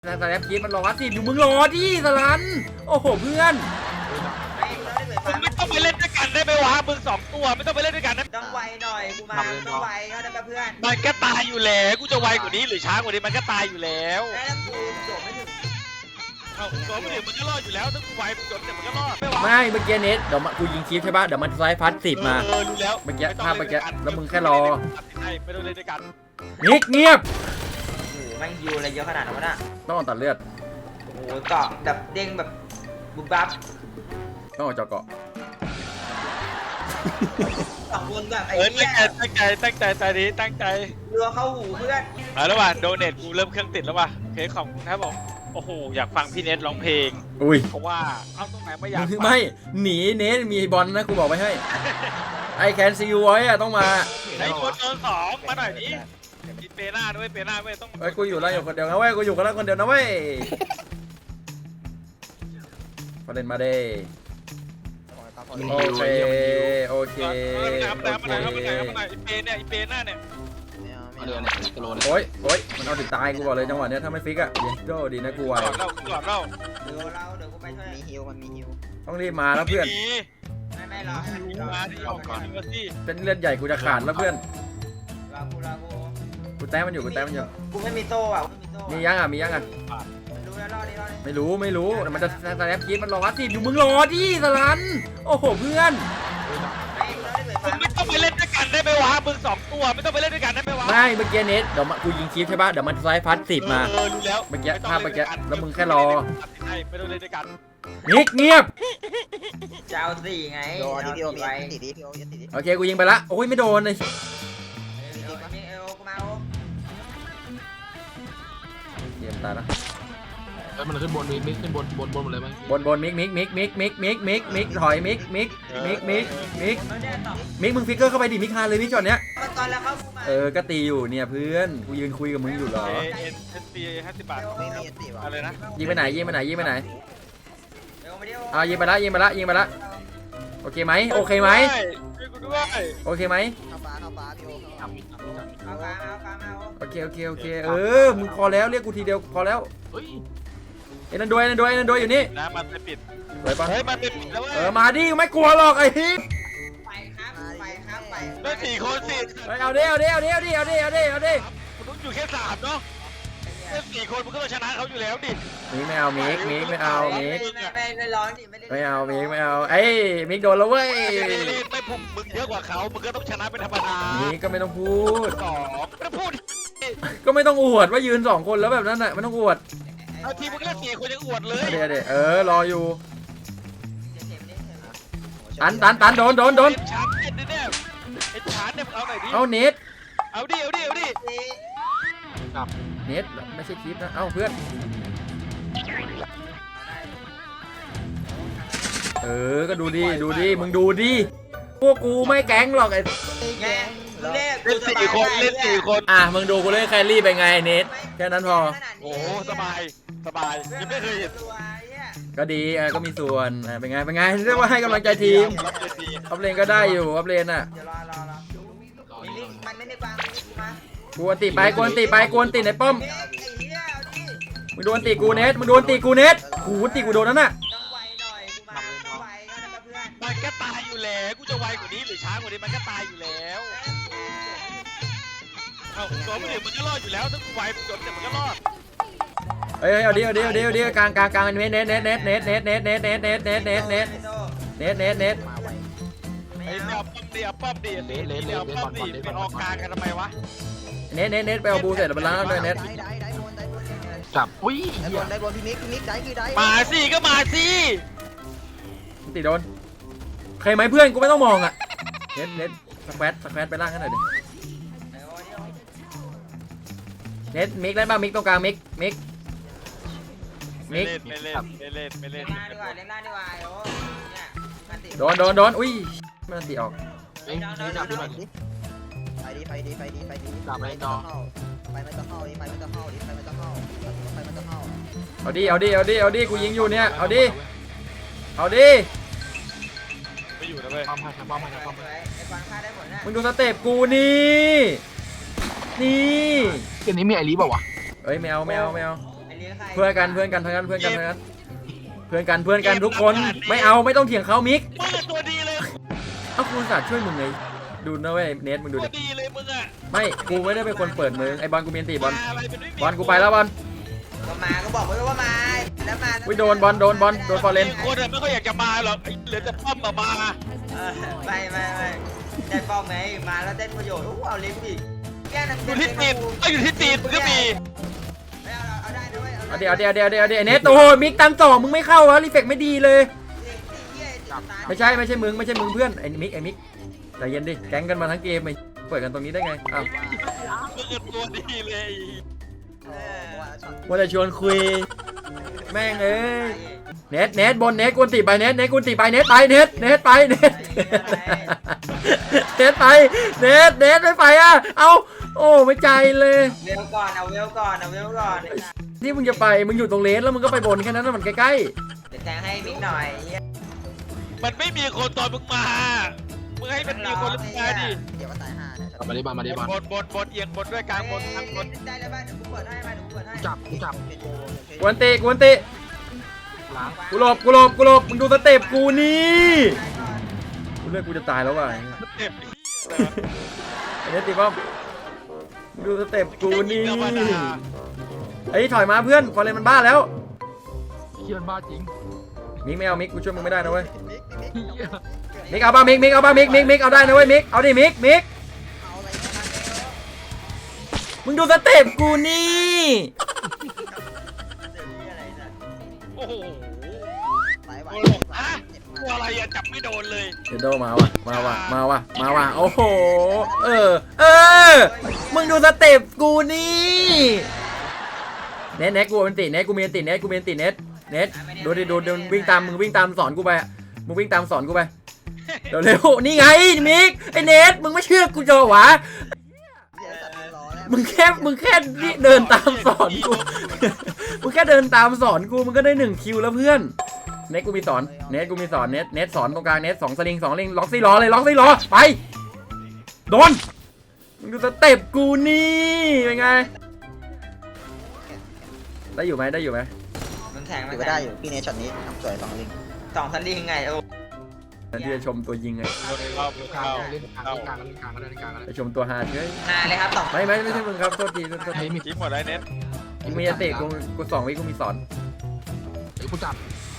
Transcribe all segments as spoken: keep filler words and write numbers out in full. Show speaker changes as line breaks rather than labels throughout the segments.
แต่สแลปคิดมันรอสิอยู่มึงรอดิสลันโอ้โหเพื่อน
มึงไม่ต้องไปเล่นด้วยกันได้ไหมวะมึงสองตัวไม่ต้องไปเล่นด้วยกันนะ
ต้องไวหน่อยกูมาต้องไวเขาได้เพื่อน
มันก็ตายอยู่แล้วกูจะไวกว่านี้หรือช้ากว่านี้มันก็ตายอยู่แล้ว
แล้วกูโดดไม่ถึง
เอาตัวไม่ถึงมันก็รอดอยู่แล้วถ้ากูไวมึงโดนแต่มันก็รอดไม่วะ
ไม่เมื่อกี้เน็ตเดี๋ยวกูยิงคลิปใช่ป่ะเดี๋ยวมันสไลด์พัดสิบมา
เออรู้แล้ว
เมื่อกี้ภาพเมื่อกี้แล้วมึงแค่รอ
ไม่ต้องเล่นด้วยกัน
นิกเงียบ
โอ้โหแม่งยูอะไรเยอะขนาดนั้นวะน่ะ
ต้องตัดเลือด
โอ้โหเกาะแบบเด้งแบบบุบบับ
ต้องออกจากเกาะ
สองคนแบบไอ้
เออ
เหี้ย
ตั้งใจตั้งใจตั้งใจตอนนี้ตั้งใจ
รัวเข้าหูเพื่อน
เอาแล้วว่ะโดเนทกูเริ่มเครื่องติดแล้วว่ะเพลงของครับผมโอ้โหอยากฟังพี่เน็ตร้องเพลง
อุ้ย
เพราะว่าเอาตรงไหนไม่อยากฟัง
ไม่หนีเน็ตมีบอลนะกูบอกไว้ให้ไอแคนซีไว้อะต้องมา
ไอ้คนโดนสองมาหน่อยนี้มีเปหน้าด้วยเปหน้าด้วยต้อง
ไอ้กูอยู่แล้วอยู่คนเดียวนะเว้ยกูอยู่กันแล้วคนเดียวนะเว้ยประเด็นมาเด้โอเคโอเค
เอามาหน่อย
โอ
เอามา
เค
หน่อยเอามาหน่อยเอามาหน่อยอีเปเนี่ยอีเปหน้าเนี่ย
เอาเดือนเนี่ยกิโลเนี่ย
โอ้ยโอ้ยมันเอาถึงตายกูบอกเลยจังหวะเนี้ยถ้าไม่ฟิกอะเยสโดดีนะกูไว
หลอดเล่าหลอดเล่า
เดี๋ยวเราเดี๋ยวกูไปช่วย
มีฮิวมันมีฮิว
ต้องรีบมาแล้วเพื่อน
มี
ไม่ไม่รอให้มันรอ
มาที่ออกก่อนมาสิ
เป็นเลือดใหญ่กูจะขาดแล้วเพื่อน
รอกูรอกู
กูแต้มมันอยู่กูแต้มมันอยู่
กูไม่มีโต้อ่ะไม่มีโต้
มียังอ่ะมียังอ่ะ
รู้แล้วรอดิรอดิ
ไม่รู้ไม่รู้แต่มันจะสแลปคิดมันรอสิอยู่มึงรอดิสลันโอ้โหเพื่อน
ไม่กูรอได้เปิด
มึงไม่ต้องไปเล่นด้วยกันได้ไหมวะมึงสองตัวไม่ต้องไปเล่นด้วยกันได้ไหมวะ
ไม่เมื่อกี้เน็ตเดี๋ยวกูยิงคลิปใช่ป่ะเดี๋ยวมันสไลด์พัดสิบมา
เออรู้แล้ว
เมื่อกี้ภาพเมื่อกี้แล้วมึงแค่รอ
ไม่ต้องเล่นด้วยกัน
นิกเงียบ
จะเอาสี่ไง
โดนที่พี่โอมี
ไว้
ติดดิพี่โอยัดติดดิ
โอเคกูยิงไปละโอ้ยไม่โดนเลย
เอวเอวกูมาโอ้
เกมตายแล้ว
แล้วมันขึ้นบนมีมิกขึ้นบนบนบนหมดเลยไหม
บนบนมิกมิกมิกมิกมิกมิกมิกมิกถอยมิกมิกมิกมิกมิก
ไม่ได้ตอบ
มิกมึงฟิกเกอร์เข้าไปดิมิกคาเลยมิกจอดเนี้ย
ตอนแล้วเขากูมา
เออก็ตีอยู่เนี่ยเพื่อนกูยืนคุยกับมึงอยู่เหรอ
เอ็นเอ็นตีห้าสิบบาท
ไม่มียัดติดว่ะ
อะไรนะ
ยิงไปไหนยิงไปไหนยิงไปไหน
เอวมาดิ
อ่ายิงไปละยิงไปละยิงไปละโอเคไหมโอเคไหม
ช่วยกูด้วย
โอเคไหม
เข้าฟ้าเข้าฟ้าพี่โอเข้า
เอากลางเอากลางเอา
โอเคโอเคโอเคเออมึงพอแล้วเรียกกูทีเดียวพอแล้ว
เฮ้ย
เอ็นนด้วยเอ็นนด้วยเอ็นนด้วยอยู่นี่
นะมันไปปิด
ไปปะ
เฮ้ยมันไปปิดแล้วเว้ย
เออมาดิไม่กลัวหรอกไอ้ฮิป
ไปครับไปครับไป
ได้สี่คนสิ
ไปเอาดิเอาดิเอาดิเอาดิเอาดิเอาดิเอาดิ
คุณต้องอยู่แค่สามเนาะได้สี่คนมันก็ต้องชนะเขาอยู่แล้วดิ
มิกไม่เอามิกมิกไม่เอามิก
ไม่ไม่ร้องดิไม่ได้
ไม่เอามิกไม่เอาเอ้ยมิกโดนแล้วเว้ย
ไม่พุ่งมึงเยอะกว่าเขามึงก็ต้องชนะเป็นธรรมดา
มิกก็ไม่ต้องพูด
สองไม่ต้องพูด
ก็ไม่ต้องอวดว่ายืนสองคนแล้วแบบนั้นน่ะไม่ต้องอวด
เอาทีมึงเล่นสี่คนยังอวดเลย
เดี๋ยวเดี๋ยวเออรออยู่ตันตันตันโดนโดนโดน
ชาร์จเล่นดิเนี่ยไอ้ชาร์จเนี่ยเอาหน่อยดิ
เอาเน็ต
เอาดิเอาดิเอาดิ
เน็ตไม่ใช่คลิปนะเอ้าเพื่อนเออก็ดูดิดูดิมึงดูดิพวกกูไม่แก๊งหรอกไอ้
แย่เล่น
เล่นสี่คนเล่นสี่คน
อ่ะมึงดูกูเล่นแครี่ไปไงเน็ตแค่นั้นพอ
โอ้สบายสบายยังไม่เคยเห็น
ก็ดีเออก็มีส่วนอ่ะเป็นไงเป็นไงเรียกว่าให้กำลังใจทีมอัพเลนก็ได้อยู่อัพเลนอ่ะ
เดี๋ยวรอรอรอมันไม่ได้วางมาก
วนตีไปกวนตีไปกวนตีในป้อม
ไอ้เหี้ยเอาดิ
มึงโดนตีกูเน็ตมึงโดนตีกูเน็ตหูตีกูโดนนั่นน่ะ
ต้องไวหน่อยกูมาต้องไวเขาได้เพื่อน
มันก็ตายอยู่แล้วกูจะไวกว่านี้หรือช้ากว่านี้มันก็ตายอยู่แล้วเอาตัวไม่ถึงมันก็รอดอยู่แล้วถ้ากูไวมึงโดนแต่มันก็รอด
เอ้ยเอาดิเอาดิเอาดิเอาดิกลางกลางกลางเน็ตเน็ตเน็ตเน็ตเน็ตเน็ตเน็ตเน็ตเน็ตเน็ตเน็ตเน็ตเน็ตเน็ตเน็ตเน็ต
มาไว
ไอ้เนี่ยป้อมดีป้อมดีเนี่ยป้อมดีไปออกกลางกันทำไมวะ
เน็ตเน็ตเน็ตไปเอาบูเสร็จแล้วไปล้างด้วยเน็ต
ได้ได้ได้บนได้บน
จับอุ้ย
ได้บนได้บนพี่มิกพี่มิกได้คือได้
มาสิก็มาสิ
ตีโดนใครไหมเพื่อนกูไม่ต้องมองอ่ะเน็ตเน็ตสแควตสแควตไปล่างให้หน่อยดิเน็ตมิกได้ป่ะมิกตรงกลางมิกมิก
ไม่เล่นไม่เล่นไม่เล่นไม่เล่
เล่
น
นหน้าดีกว่าเล่นหน้าดีกว่าโอ้เนี่ยมันติด
โดนโดนโดนอุ้ยมันตีออก
เอ้ยนี่จับด้วย
ไปดิไปดิไปดิไปดิไปไม่ต้องเข้าไปไม่ต้องเข้าดิไปไม่ต้องเข้าดิไปไม่ต้องเข้าไปไม่ต้องเข้า
เอาดิเอาดิเอาดิเอาดิกูยิงอยู่เนี่ยเอาดิเอาดิ
ไม่อยู่นะเว้ย
ป้อมให้ป้อมให้ป้อมให้
ไอ้ฟังค่าได้ผลนะ
มึงดูสเต็ปกูนี่นี่
เกมนี้มีไอรีบอกว่ะ
เอ้ยแมวแมวแมว
ไอ้เลี้ยงใคร
เพื่อนกันเพื่อนกันทั้งนั้นเพื่อนกันทั้งนั้นเพื่อนกันเพื่อนกันทุกคนไม่เอาไม่ต้องเถียงเขามิก
มึงอะตัวดีเลย
เอ้ากูอุตส่าห์ช่วยมึงไงดูนะเว้ยเนทมึงดู
ตัว
ดิ
ดีเลยมึงอะ
ไม่กูไม่ได้เป็นคนเปิดมึงไอ้บอลกูมีอันตีบอล
มาอะไรเป็นไม่มี
บอลกูไปแล้วบอล
ก็มาก็บอกไว้ว่ามาแล้วมา
อุ้ยโดนบอลโดนบอลโดนฟอร์เรน
มีคนอะไม่ค่อยอยากจะมาหรอกไอ้เหลือแต่ป้อมมามา
เออไม่ไม่ไม่ได้ป้อมไงมาแล้วได้ประโยชน์โอ้เอาเลี้ยงดิแก้น้ำ
อยู่ที่ตีนก็อยู่ที่ตีนมึงก็มี
ไม่เอาเอาได้ด้วย
เอาเดี๋ยวเดี๋ยวเดี๋ยวเดี๋ยวเดี๋ยวเนทโอ้โหมิกตามต่อมึงไม่เข้าวะรีเฟกไม่ดีเลย ไม่ใช่ไม่ใช่มึงไม่ใช่มึงเพื่อนไอ้มิกไอ้มิกใจเย็นดิแก๊งกันมาทั้งเกมไอ้เปิดกันตรงนี้ได้ไงอ้าว
มึงอะตัวดีเลย
ว่าจะชวนคุยแม่งเอ้ยเนทเนทบนเนทกวนตีไปเนทเนทกวนตีไปเนทไปเนทเนทไปเนทเนทไปเนทเนทไม่ไปอ่ะเอาโอ้ไม่ใจเลย
เวลก่อนเอาเวลก่อนเอาเวลก่อน
ที่มึงจะไปมึงอยู่ตรงเลนแล้วมึงก็ไปบนแค่นั้นนะมันใกล้
เดี๋ยวแทงให้มิกหน่อย
มันไม่มีคนตอนมึงมามึงให้มันมีคนหรือมึงมาดิ
เดี๋ยวก็ตายห่าเนี่ย
เอามาดิบอลมาดิบอล
บนบนบนเอียงบนด้วยกลางบนกลางบน
ได้แล้วบ้านเดี๋ยวกูเปิดให้มาเดี๋ยวกูเปิดให้
จับกูจับ
ๆกวนตีกวนตี
ล้าง
กูหลบกูหลบกูหลบมึงดูสเต็ปกูนี่กูเลือกกูจะตายแล้วว่ะ
เจ็บ
ไอ้เนทตีป้อมมึงดูสเต็ปกูนี่
ธรรมดา
ไอ้ยถอยมาเพื่อนฟอร์เรนมันบ้าแล้ว
เฮียมันบ้าจริง
มิกไม่เอามิกกูช่วยมึงไม่ได้นะเว้ย
มิกมิก
เฮีย
มิกเอาป่ะมิกมิกเอาป่ะมิกมิกมิกเอาได้นะเว้ยมิกเอาดิมิกมิก
เอาอะไรมา
มึงดูสเต็ปกูนี่
เดี๋ยวนี้อะไรนะ
โอ้โห
สายไหว
โอ้โหอะตัวอะไรอะจับไม่โดนเลย
เดโดมาว่ะมาว่ะมาว่ะมาว่ะโอ้โหเออเออมึงดูสเต็ปกูนี่เน็ตเน็ตกูเป็นติเน็ตกูมีอันติเน็ตกูมีอันติเน็ตเน็ตดูดิดูดูวิ่งตามมึงวิ่งตามสอนกูไปอะมึงวิ่งตามสอนกูไปเร็วเร็วนี่ไงมิกไอเน็ตมึงไม่เชื่อกูจะหวะ
เสียสัตว์รอแล้ว
มึงแค่มึงแค่เดินตามสอนกู มึงแค่เดินตามสอนกูมึงก็ได้หนึ่งคิวแล้วเพื่อน เน็ตกูมีสอน เน็ตกูมีสอน เน็ตเน็ตสอนตรงกลาง เน็ตสองสลิงสองลิงล็อกซี่ล้อเลยล็อกซี่ล้อไป โดน มึงดูสเต็ปกูนี่เป็นไง ได้อยู่ไหมได้อยู่ไหม
มันแทง
ถือว่าได้อยู่พี่เนชช็อตนี้ทำสวยสองลิง
สองสลิงไงโอ้
ที่จะชมตัวยิงไง
เข้า
กลาง
เข้า
เล่นกลางเล่นกลางเล่นกลางเล่นกลาง
ไปชมตัวฮาเฮ้ย
หาเลยครับสอง
ไม่ไม่ไม่ใช่มึงครับโทษทีโทษที
เฮ้ยมี
ทิ้งหมดแล้วเน็ต
กูมีอันติกูกูสองวิกูมีสอน
เฮ้ยกูจับ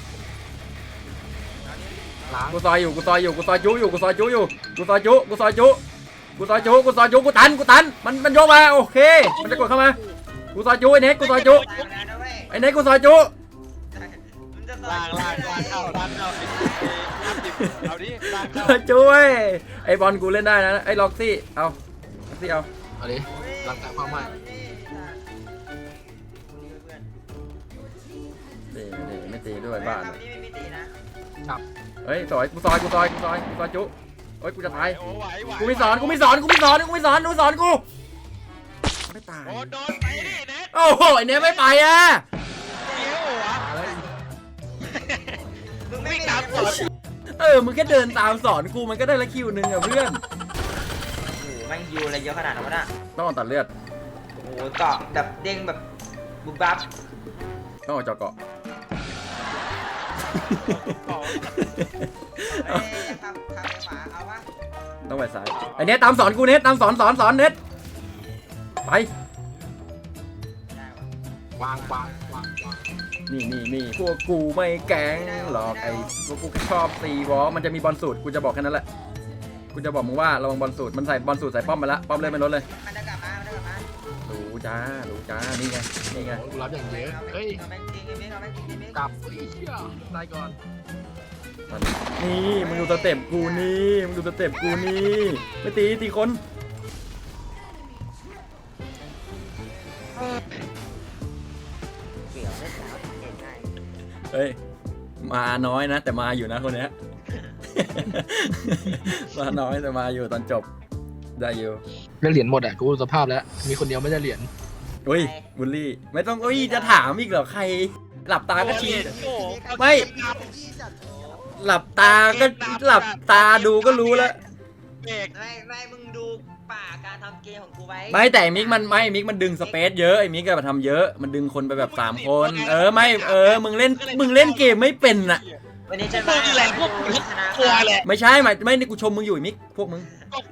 ล้าง
กูซอยอยู่กูซอยอยู่กูซอยจุอยู่กูซอยจุอยู่กูซอยจุกูซอยจุกูซอยจุกูซอยจุกูตันกูตันมันมันโยกมาโอเคมันจะกดเข้ามากูซอยจุไอ้เน็ตกูซอยจุไอ้เน็ตกูซอยจุ
ล่างล่างล่างเข้าล่างเข้าเอาดิล่าง
ซ
เข้า
อยจุเว้ยไอ้บอลกูเล่นได้นะไอ้ล็อกซี่เอาล็อกซี่เอา
เอาดิล้างแต่ความใหม่
นี่นี่ไม่ตีด้วยบ้าน
ไม่มีตีนะ
จับ
เฮ้ยซอยกูซอยกูซอยกูซอยกูซอยจุเฮ้ยกูจะตาย
โอ้ไหวไหว
กูมีสอนกูมีสอนกูมีสอนกูมีสอนดูสอนกูไม่ตาย
โอ้โดนไปดิเน็ต
โอ้โหไอ้เน็ตไม่ไปอ่ะ
เดี๋ยวหัว
อะไร
มึงไม่
วิ่ง
ตา
ตาม ม
ก่
ก่
อ
อน น
เออมึงแค่เดินตามสอนกูมันก็ได้ละคิวหนึ่งอะเพื่อน
โอ้โหแม่งยูอะไรเยอะขนาดนั้นวะน่ะ
ต้องออกตัดเลือด
โอ้โหเกาะแบบเด้งแบบบุบบับ
ต้องออกจอเกาะ
เอ้ยขับขับไปขวาเอาวะ
ต้องไปซ้ายไอเน็ตตามสอนกูเน็ตตามสอนสอนสอนเน็ตไป
ได้วะ
วางวางวางวาง
นี่นี่นี่พวกกูไม่แก๊งหรอกไอ้พวกกูแค่ชอบตีวอลมันจะมีบอลสูตรกูจะบอกแค่นั้นแหละกูจะบอกมึงว่าระวังบอลสูตรมันใส่บอลสูตรใส่ป้อมไปละป้อมเลยไม่ลดเลย
มันจะกลับมามันจะกลับมา
รู้จ้ารู้จ้านี่ไงนี่ไง
กูรับอย่างเยอะเฮ้ย
เอาแม่งจริงไอ้เมฆเอาแม่งจริงไอ้เมฆ
กลับเฮ้ยเฮียได้ก่อน
นี่มึงดูสเต็ปกูนี่มึงดูสเต็ปกูนี่ไม่ตีตีคน
เกี่ยวเล่นหนาวเก่งง่าย
เฮ้ยมาน้อยนะ แต่มาอยู่นะคนเนี้ย มาน้อยแต่มาอยู่ตอนจบได้อยู่
ได้เหรียญหมดอ่ะกูสภาพแล้วมีคนเดียวไม่ได้เหรียญ
อุ้ยบุลลี่ไม่ต้องอุ้ยจะถามอีกเหรอใคร หลับตาก็ชี้
โอ้
ไม่
พี่จัด
หลับตาก็หลับตาดูก็รู้แล้ว
เบรก
ไม่ไม่มึงดูป่าการทำเกมของกูไว้
ไม่แต่ไอ้มิกมันไม่มิกมันดึงสเปซเยอะไอ้มิกก็มาทำเยอะมันดึงคนไปแบบสามคนเออไม่เออมึงเล่นมึงเล่นเกมไม่เป็นน่ะ
วันนี้จะ
พวกนี่แหละพวก
ชนะ
กลัวแหละ
ไม่ใช่หมายไม่นี่กูชมมึงอยู่ไอ้มิกพวกมึง
ก็